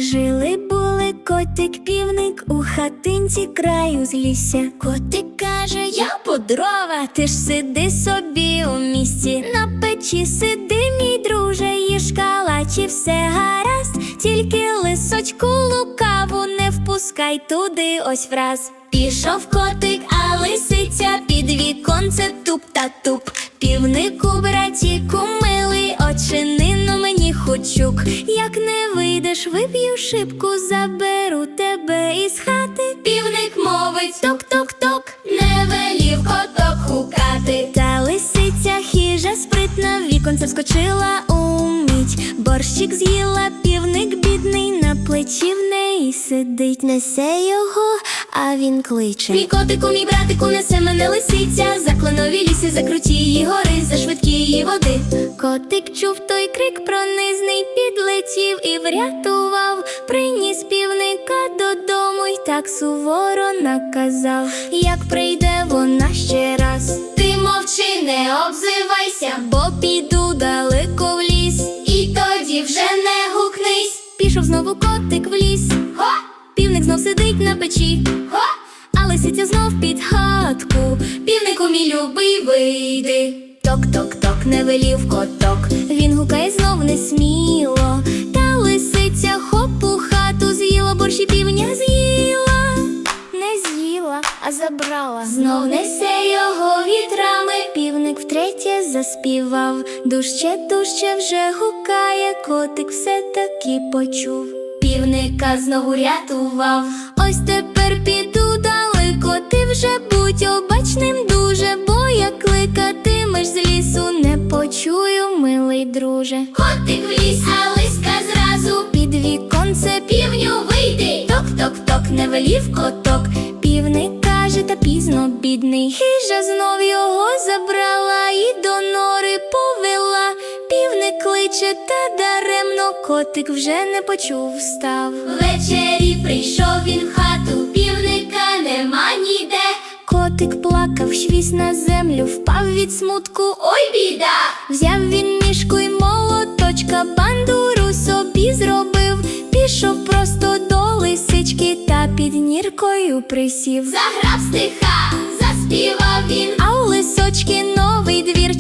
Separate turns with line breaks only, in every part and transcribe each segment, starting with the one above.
Жили-були котик, півник у хатинці краю узлісся. Котик каже: я по дрова, ти ж сиди собі у місці. На печі сиди, мій друже, їж калачі, все гаразд. Тільки лисочку лукаву не впускай туди ось враз. Пішов котик, а лисиця під віконце туп-та-туп. Півнику, братіку, милий, очинину мені хочук. Як не вийдеш, виб'ю шибку, заберу тебе із хати. Півник мовить: ток-ток-ток, не велів коток гукати. Та лисиця хижа спритна, в віконце вскочила умить. Борщик з'їла, півник бідний, на плечі в неї сидить. Несе його, а він кличе: мій котику, мій братику, несе мене лисиця. За кленові ліси, за крутії гори, за швидкії води. Котик чув той крик пронизний, підлетів і врятував. Приніс півника додому й так суворо наказав: як прийде вона ще раз, ти мовчи, не обзивайся, бо піду далеко в ліс, і тоді вже не гукнись. Пішов знову котик в ліс. Хо! Півник знов сидить на печі. Хо! А лисиця знов під хатку. Півнику, мій любий, вийди. Ток-ток-ток, не велів коток. Він гукає знов несміло. Та лисиця хоп у хату з'їла, борщ і півня з'їла. Не з'їла, а забрала. Знов несе його вітрами. Півник втретє заспівав. Дужче, дужче вже гукає. Котик все-таки почув. Півника знову рятував. Ось тепер піду далеко, ти вже будь обачним дуже, бо як кликатимеш з лісу, не почую, милий друже. Котик в ліс, а лиска зразу під віконце: півню, вийди. Ток-ток-ток, не велів коток. Півник каже: та пізно, бідний. Хижа знов його забрала і до нори повела. Півник кличе, та даремно, котик вже не почув, встав. Ввечері прийшов він в хату, півника нема ніде. Котик плакав, швіс на землю, впав від смутку, ой біда. Взяв він мішку й молоточка, бандуру собі зробив. Пішов просто до лисички, та під ніркою присів. Заграв стиха, заспівав він, а у лисочки новий двір.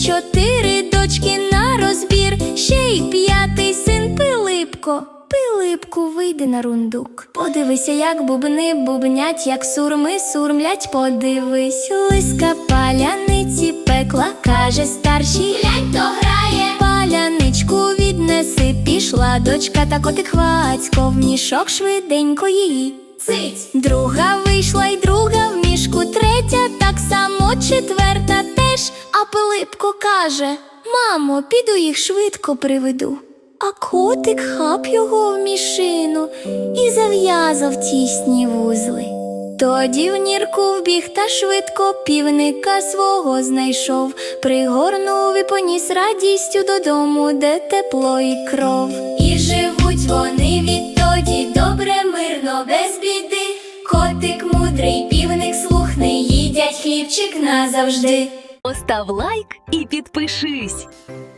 4 дочки на розбір, ще й 5-й син Пилипко. Пилипку, вийди на рундук. Подивися, як бубни бубнять, як сурми сурмлять, подивись. Лиска паляниці пекла, каже старшій: глянь, то грає. Паляничку віднеси, пішла дочка, та котик хвацько в мішок швиденько її. Цить! Друга вийшла й друга в мішку, третя так само, 4-та теж. А Пилипко каже: мамо, піду їх швидко приведу. А котик хап його в мішину і зав'язав тісні вузли. Тоді в нірку вбіг та швидко півника свого знайшов. Пригорнув і поніс радістю додому, де тепло і кров. І живуть вони відтоді добре, мирно, без біди. Котик мудрий, півник слухний, їдять хлібчик назавжди.
Постав лайк і підпишись.